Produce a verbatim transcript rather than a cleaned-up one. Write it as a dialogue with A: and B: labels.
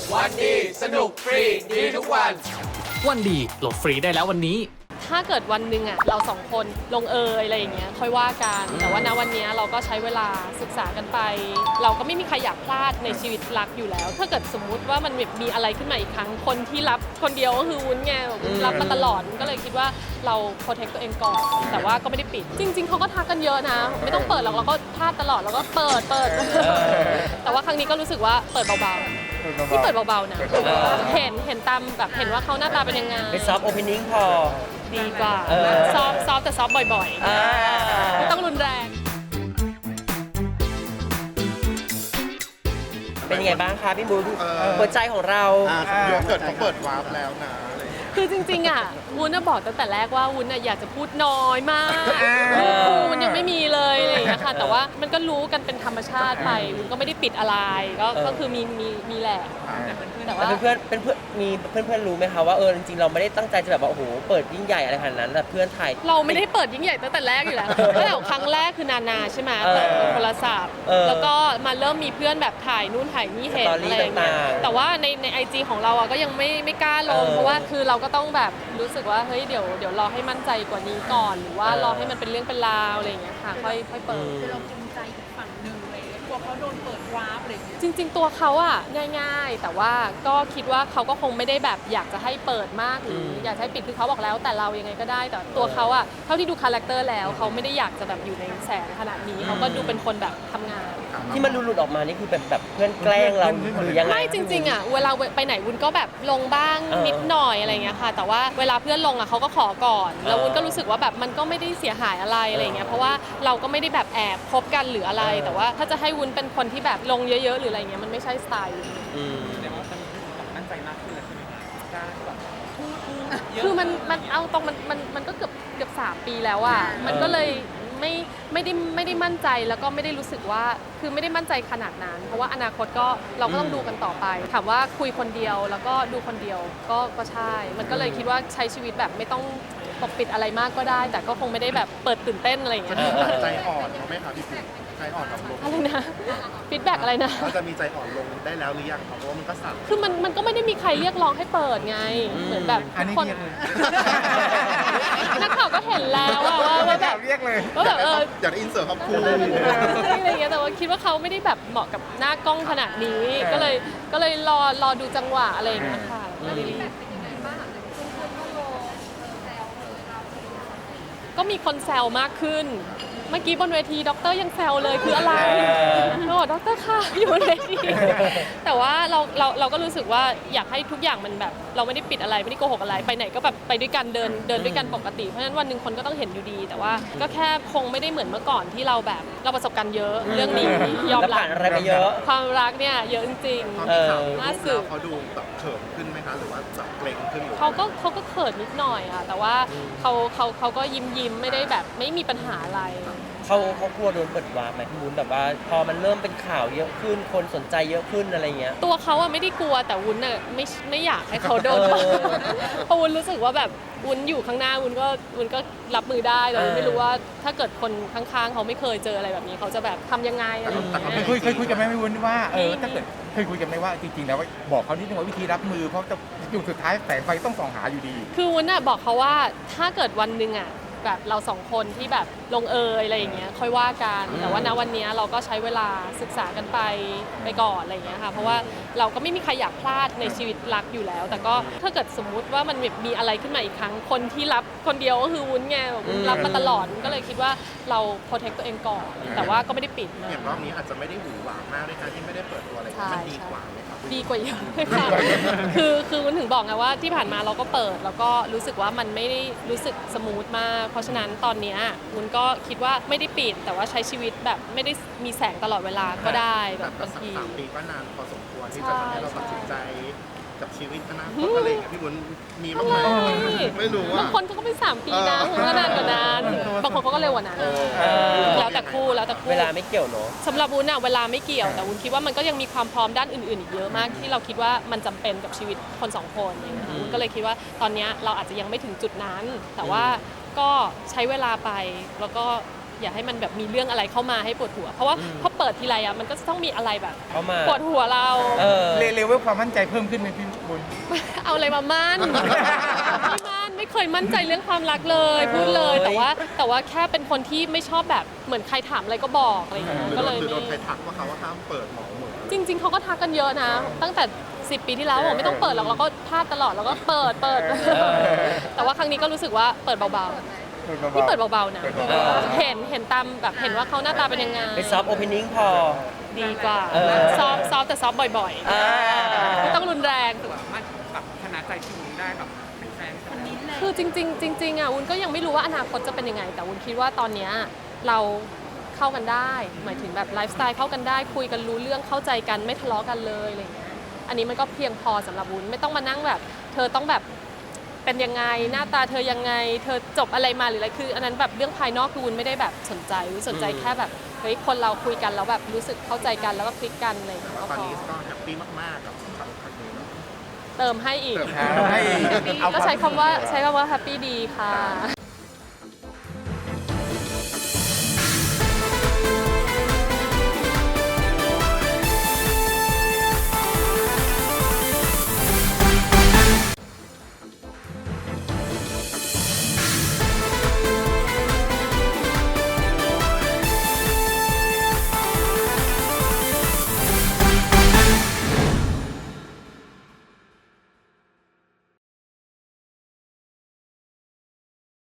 A: วันดีสนุกฟรีดีทุกวัน
B: วันดีโหลดฟรีได้แล้ววันนี้
C: ถ้าเกิดวันหนึ่งอ่ะเราสองคนลงเอยอะไรอย่างเงี้ยค่อยว่ากันแต่ว่าณวันนี้เราก็ใช้เวลาศึกษากันไปเราก็ไม่มีใครอยากพลาดในชีวิตรักอยู่แล้วถ้าเกิดสมมุติว่ามันมีอะไรขึ้นมาอีกครั้งคนที่รับคนเดียวก็คือวุ้นไงรับมาตลอดก็เลยคิดว่าเราโปรเทคตัวเองก่อนแต่ว่าก็ไม่ได้ปิดจริงๆเขาก็ทักกันเยอะนะไม่ต้องเปิดหรอกเราก็พลาดตลอดเราก็เปิดเปิดแต่ว่าครั้งนี้ก็รู้สึกว่าเปิดเบาๆที่เปิดเบาๆนะเห็นเห็นตามแบบเห็นว่าเขาหน้าตาเป็นยังไง
D: เป็นซอฟต์โอเพนนิ่งพอ
C: ดีกว่าซอฟซอฟแต่ซอฟบ่อยๆไม่ต้องรุนแรง
D: เป็นยังไงบ้างคะพี่บูนหัวใจของเรา
E: เดี๋ยวเกิดเขาเปิดวาร์ปแล้วนะ
C: คือจริงๆอ่ะวุ้นบอกตั้งแต่แรกว่าวุ้นอยากจะพูดน้อยมากวุ้นยังไม่มีเลยอะไรอย่างเงี้ยค่ะแต่ว่ามันก็รู้กันเป็นธรรมชาติไปวุ้นก็ไม่ได้ปิดอะไรก็ก็คือมีมีมีแหละ
D: แต่ว่าเพื่อนเป็นเพื่อนมีเพื่อนเพื่อนรู้ไหมคะว่าเออจริงๆเราไม่ได้ตั้งใจจะแบบว่าโอ้โหเปิดยิ่งใหญ่อะไรขนาดนั้นแต่เพื่อนถ่าย
C: เราไม่ได้เปิดยิ่งใหญ่ตั้งแต่แรกอยู่แล้วตั้งแต่ครั้งแรกคือนานาใช่ไหมเปิดโทรศัพท์แล้วก็มาเริ่มมีเพื่อนแบบถ่ายนู่นถ่ายนี่เห็นอะไรอย่างเงี้ยแต่ว่าในในไอจีของเราอ่ะก็ยังไม่ไม่กล้าลงเพราะว่าคือเราก็ต้องแบบรู้สึกว่าเฮ้ยเดี๋ยวเดี๋ยวรอให้มั่นใจกว่านี้ก่อนหรือว่ารอให้มันเป็นเรื่องเป็นราวอะไรอย่างเงี้ยค่ะค่อยค่อยเปิด
F: คือเราภูมิใจอีกฝั่งหนึ่งเลยกลัวเขาโดนเปิดวาร์ปอะไรอย่างเงี้ย
C: จริงๆตัวเขาอ่ะง่ายๆแต่ว่าก็คิดว่าเขาก็คงไม่ได้แบบอยากจะให้เปิดมากหรืออยากให้ปิดคือเขาบอกแล้วแต่เรายังไงก็ได้แต่ตัวเขาอ่ะเท่าที่ดูคาแรคเตอร์แล้วเขาไม่ได้อยากจะแบบอยู่ในแสงขนาดนี้เขาก็ดูเป็นคนแบบทำงาน
D: ที่มันหลุดออกมานี่คือแบบแบบเพื่อนแกล้งเราหรือยังไง
C: ไม่จริงๆอ่ะเวลาไปไหนวุ้นก็แบบลงบ้างนิดหน่อยอะไรเงี้ยค่ะแต่ว่าเวลาเพื่อนลงอ่ะเขาก็ขอก่อนแล้ววุ้นก็รู้สึกว่าแบบมันก็ไม่ได้เสียหายอะไรอะไรเงี้ยเพราะว่าเราก็ไม่ได้แบบแอบคบกันหรืออะไรแต่ว่าถ้าจะให้วุ้นเป็นคนที่แบบลงเยอะๆหรืออะไรเงี้ยมันไม่ใช่สไตล์
A: แต่ว่าตอนนี้มั่นใจมากขึ้นแล้วใช่ไหมคะกล้าแบบ
C: คือมันมันเอาตรงมันมันมันก็เกือบเกือบสามปีแล้วอ่ะมันก็เลยไม่ไม่ได้ไม่ได้มั่นใจแล้วก็ไม่ได้รู้สึกว่าคือไม่ได้มั่นใจขนาดนั้นเพราะว่าอนาคตก็เราก็ต้องดูกันต่อไปถามว่าคุยคนเดียวแล้วก็ดูคนเดียวก็ก็ใช่มันก็เลยคิดว่าใช้ชีวิตแบบไม่ต้องปกปิดอะไรมากก็ได้แต่ก็คงไม่ได้แบบเปิดตื่นเต้นอะไรอย่างเงี้ย
E: ใจอ่อนเขาไหมคะพี่ปิ๊กใจอ่อนกับลง
C: อะไรนะฟีดแบ็กอะไรนะ
E: เราจะมีใจอ่อนลงได้แล้วหรือยังเพราะว่ามันก็สั่น
C: คือมันมันก็ไม่ได้มีใครเรียกร้องให้เปิดไงเหมือนแบบทุกคนนักข่าวก็เห็นแล้วว่าว่าแบบ
E: เรียกเลย
C: ว่าแบบเออ
E: อยากอินเสิร์ตคำพูด
C: อะไรอย่างเงี้ยแต่ว่าคิดว่าเขาไม่ได้แบบเหมาะกับหน้ากล้องขนาดนี้ก็เลยก็เลยรอรอดูจังหวะอะไรอย่างเงี้ยค่ะก็มีคนแซวมากขึ้นเมื่อกี้บนเวทีด็อกเตอร์ยังแซวเลยคืออะไรเราบอกด็อกเตอร์ค่ะอยู่บนเวทีแต่ว่าเราเราเราก็รู้สึกว่าอยากให้ทุกอย่างมันแบบเราไม่ได้ปิดอะไรไม่ได้โกหกอะไรไปไหนก็แบบไปด้วยกันเดินเดินด้วยกันปกติเพราะฉะนั้นวันหนึ่งคนก็ต้องเห็นอยู่ดีแต่ว่าก็แค่คงไม่ได้เหมือนเมื่อก่อนที่เราแบบเราประสบการณ์เยอะเรื่องนี้ยอมรับ
D: อะไรไปเยอะ
C: ความรักเนี่ยเยอะจริง
E: ๆน่าสื่อเขาดูแบบเขินขึ้นไหมคะหรือว่าแบบเกรงขึ้น
C: เขาก็เขาก็เขินนิดหน่อยค่ะแต่ว่าเขาเขาเขาก็ยิ้มยิ้มไม่ได้แบบไม่มีปัญหาอะไร
D: เขาเขากลัวโดนเปิดวาร์ปไหมพี่วุ้นแบบว่าพอมันเริ่มเป็นข่าวเยอะขึ้นคนสนใจเยอะขึ้นอะไรเงี้ย
C: ตัวเขาอะไม่ได้กลัวแต่วุ้นอะไม่ไม่อยากให้เขาโดนเพราะวุ้นรู้สึกว่าแบบวุ้นอยู่ข้างหน้าวุ้นก็วุ้นก็รับมือได้แต่ไม่รู้ว่าถ้าเกิดคนข้างๆเขาไม่เคยเจออะไรแบบนี้เขาจะแบบทำยังไงอะไรอย่างเงี้ย
G: เคยเคยคุยกันไหมพี่วุ้นว่าเออถ้าเกิดเคยคุยกันไหมว่าจริงๆแล้วบอกเขานิดนึงว่าวิธีรับมือเพราะจะอยู่สุดท้ายแสงไฟต้องส่องหาอยู่ดี
C: คือวุ้นอะบอกเขาว่าถ้าเกิดวันหนึ่งอะแบบเราสองคนที่แบบลงเอยอะไรอย่างเงี้ยค่อยว่ากันแต่ว่าณวันนี้เราก็ใช้เวลาศึกษากันไปไปก่อนอะไรอย่างเงี้ยค่ะเพราะว่าเราก็ไม่มีใครอยากพลาดในชีวิตรักอยู่แล้วแต่ก็ถ้าเกิดสมมุติว่ามันมีอะไรขึ้นมาอีกครั้งคนที่รับคนเดียวก็คือวุ้นไงรับมาตลอดก็เลยคิดว่าเราโปรเทคตัวเองก่อนแต่ว่าก็ไม่ได้ปิด
E: อย่างรอบนี้อาจจะไม่ได้หวือหวามากด้วยการที่ไม่ได้เปิดตัวอะไรมันดีกว่า
C: ดีกว่าเยอะค่ะคือคือวุ้นถึงบอกไงว่าที่ผ่านมาเราก็เปิดแล้วก็รู้สึกว่ามันไม่ได้รู้สึกสมูทมากเพราะฉะนั้นตอนนี้วุ้นก็คิดว่าไม่ได้ปิดแต่ว่าใช้ชีวิตแบบไม่ได้มีแสงตลอดเวลาก็ได้แบบบางที
E: สามปีก็นานพอสมควรที่จะทำให้เราตัดสินใจกับชีวิตอนาคตอะไรอย่างเงี้ยพี่วุ้นมีบ้างไหมไม่รู้ว่า
C: บางคนเขาก็ไม่สามปีนะเขาก็นานกว่านั้นบางคนเขาก็เร็วกว่านั้นแล้วแต่คู่แล้วแต่คู่
D: เวลาไม่เกี่ยวเนาะ
C: สำหรับวุ้นอะเวลาไม่เกี่ยวแต่วุ้นคิดว่ามันก็ยังมีความพร้อมด้านอื่นๆอีกเยอะมากที่เราคิดว่ามันจำเป็นกับชีวิตคนสองคนวุ้นก็เลยคิดว่าตอนนี้เราอาจจะยังไม่ถึงจุดนั้นแต่ว่าก็ใช้เวลาไปแล้วก็อย่าให้มันแบบมีเรื่องอะไรเข้ามาให้ปวดหัว เพราะว่าพอเปิดทีไรอ่ะมันก็จะต้องมีอะไรแบบ
D: เข้ามา
C: ปวดหัวเรา
D: เออ
G: เลเลเวลความมั่นใจเพิ่มขึ้นไหมพี่บุญ
C: เอาอะไรมามั่น ไม่มั่นไม่เคยมั่นใจเรื่องความรักเลยพูดเลย
D: เอ้ย
C: แต่ว่าแต่ว่าแค่เป็นคนที่ไม่ชอบแบบเหมือนใครถามอะไรก็บอกอะไรอย่างเงี้ย
E: หรือ
C: ก็
E: โด
C: เล
E: น
C: ย
E: หรือโด
C: ไม่
E: นใครทักว่าเขาว่าห้ามเปิดหมอเหมือน
C: จริง ๆเขาก็ทักกันเยอะนะ ตั้งแต่สิบปีที่แล้วบอกไม่ต้องเปิดหรอกเราก็พลาดตลอดเราก็เปิดเปิด แต่ว่าครั้งนี้ก็รู้สึกว่าเปิดเบาๆนี่เปิดเบาๆนะ
G: เปิด
D: เออ
C: เห็นเห็นตามแบบเห็นว่าเขาหน้าตาเป็นยังไง
D: เป็นซอฟต์โอเพนนิ่งพอ
C: ดีกว่า
D: เออ
C: ซอฟต์ซอฟต์แต่ซอฟต์บ่อย
D: อ่า
C: ๆไม่ต้องรุนแรง
A: รู้สึกว่ามันแบบชนะใจพี่วุ้นได้แบบเป็นแฟนคนนี้
C: คือจริงๆจริงๆอ่ะวุ้นก็ยังไม่รู้ว่าอนาคตจะเป็นยังไง แต่วุ้นคิดว่าตอนเนี้ยเราเข้ากันได้ หมายถึงแบบไลฟ์สไตล์เข้ากันได้ คุยกันรู้เรื่องเข้าใจกันไม่ทะเลาะกันเลยอะไรอย่างเงี้ยอันนี้มันก็เพียงพอสำหรับวุ้นไม่ต้องมานั่งแบบ เธอต้องแบบเป็นยังไงหน้าตาเธอยังไง เธอจบอะไรมาหรืออะไรคืออันนั้นแบบเรื่องภายนอกคือวุ้นไม่ได้แบบสนใจวุ้นสนใจแค่แบบเฮ้ยคนเราคุยกันแล้วแบบรู้สึกเข้าใจกันแล้วก็คลิกกันอะไรอย่างเงี้ยก็
E: ตอน
C: พอ
E: นี้ก็แฮปปี้มากๆกับครั้งนี้
C: เติมให้อีก
E: เติม
G: ให้เอา
C: ก็ใช้คำว่าใช้คำว่าแฮปปี้ดีค่ะ